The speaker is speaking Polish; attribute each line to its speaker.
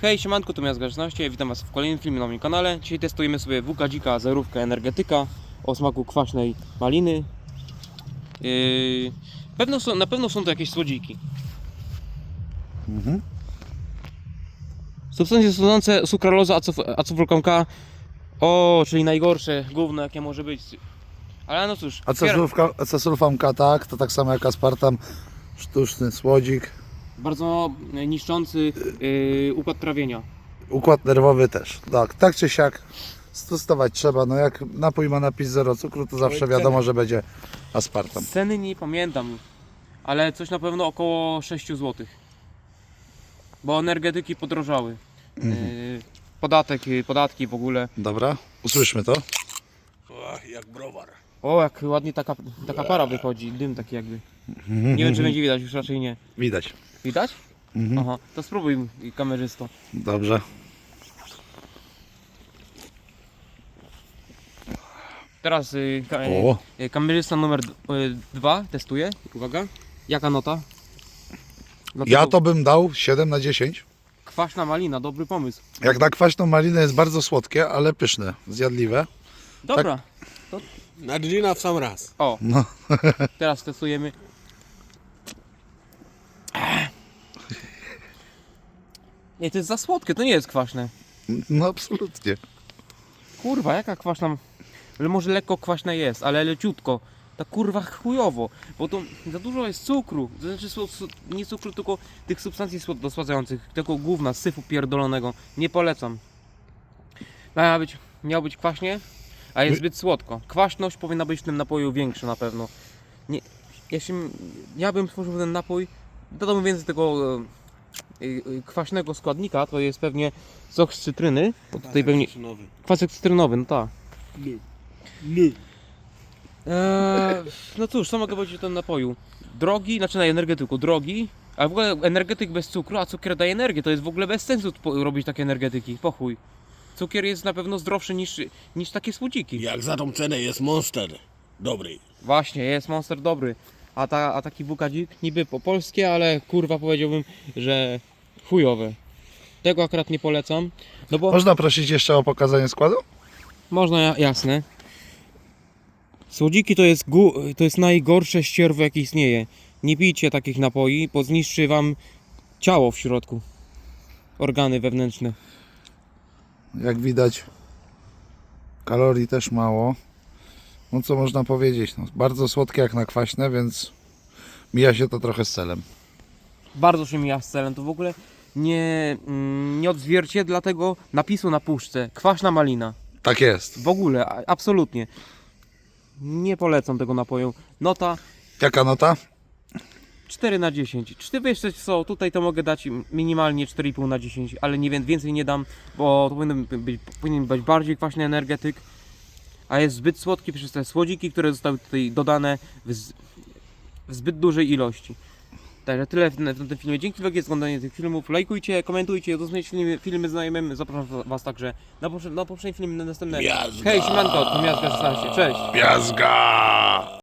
Speaker 1: Hej, siemanko, tu Miazga16, witam was w kolejnym filmie na moim kanale. Dzisiaj testujemy sobie WK Dzika zerówkę energetyka o smaku kwaśnej maliny. Na pewno są to jakieś słodziki. Substancje stanowiące sukralozę, acetylfurkanka. O, czyli najgorsze gówno jakie może być. Ale no cóż.
Speaker 2: Acesulfamka, tak, to tak samo jak aspartam, sztuczny słodzik.
Speaker 1: Bardzo niszczący układ trawienia.
Speaker 2: Układ nerwowy też, tak czy siak stosować trzeba. No jak napój ma napis 0 cukru, to zawsze wiadomo, że będzie aspartam.
Speaker 1: Ceny nie pamiętam, ale coś na pewno około 6 zł. Bo energetyki podrożały. Podatki w ogóle.
Speaker 2: Dobra, usłyszmy to.
Speaker 3: Ach, jak browar.
Speaker 1: O, jak ładnie taka para wychodzi, dym taki jakby. Nie wiem, czy będzie widać, już raczej nie.
Speaker 2: Widać.
Speaker 1: Widać? Aha, to spróbuj, kamerzysto.
Speaker 2: Dobrze.
Speaker 1: Teraz kamerzysta numer 2 testuje. Uwaga. Jaka nota?
Speaker 2: Ja to bym dał 7 na 10.
Speaker 1: Kwaśna malina, dobry pomysł.
Speaker 2: Jak na kwaśną malinę jest bardzo słodkie, ale pyszne, zjadliwe.
Speaker 1: Dobra.
Speaker 3: Na gina w sam raz.
Speaker 1: O,
Speaker 2: No.
Speaker 1: teraz testujemy. Nie, to jest za słodkie, to nie jest kwaśne.
Speaker 2: No absolutnie.
Speaker 1: Kurwa, jaka kwaśna. Ale może lekko kwaśna jest, ale leciutko. Ta kurwa chujowo, bo to za dużo jest cukru. To znaczy nie cukru, tylko tych substancji dosładzających, tego gówna, syfu pierdolonego. Nie polecam. Miało być kwaśnie, a jest zbyt słodko. Kwaśność powinna być w tym napoju większa na pewno. Nie, jeśli ja bym stworzył ten napój, dodałbym więcej tego kwaśnego składnika, to jest pewnie sok z cytryny. Bo tutaj pewnie kwasek cytrynowy, no tak. No cóż, co mogę powiedzieć o tym napoju? Drogi, znaczy na energetyku, drogi, a w ogóle energetyk bez cukru, a cukier daje energię, to jest w ogóle bez sensu robić takie energetyki, pochuj. Cukier jest na pewno zdrowszy niż takie słodziki.
Speaker 3: Jak za tą cenę jest Monster dobry.
Speaker 1: Właśnie, jest Monster dobry, a taki WK Dzik niby po polskie, ale kurwa powiedziałbym, że chujowe. Tego akurat nie polecam, no bo...
Speaker 2: Można prosić jeszcze o pokazanie składu?
Speaker 1: Można, jasne. Słodziki to jest najgorsze ścierwo jakie istnieje. Nie pijcie takich napoi, bo zniszczy wam ciało w środku. Organy wewnętrzne.
Speaker 2: Jak widać, kalorii też mało. No co można powiedzieć, no, bardzo słodkie jak na kwaśne, więc mija się to trochę z celem.
Speaker 1: Bardzo się mija z celem. To w ogóle nie odzwierciedla tego napisu na puszce. Kwaśna malina.
Speaker 2: Tak jest.
Speaker 1: W ogóle, absolutnie. Nie polecam tego napoju. Nota
Speaker 2: Jaka nota?
Speaker 1: 4 na 10. Czy ty wiesz co, tutaj to mogę dać minimalnie 4,5 na 10, ale nie więcej nie dam, bo to powinien być bardziej kwaśny energetyk, a jest zbyt słodki przez te słodziki, które zostały tutaj dodane w zbyt dużej ilości. Także tyle w tym filmie. Dzięki wielkie za oglądanie tych filmów. Lajkujcie, komentujcie, udostępniajcie filmy znajomym. Zapraszam was także na poprzedni film, na następne.
Speaker 3: Miazga.
Speaker 1: Hej, siemanko, to Miazga16. Cześć!
Speaker 3: Miazga!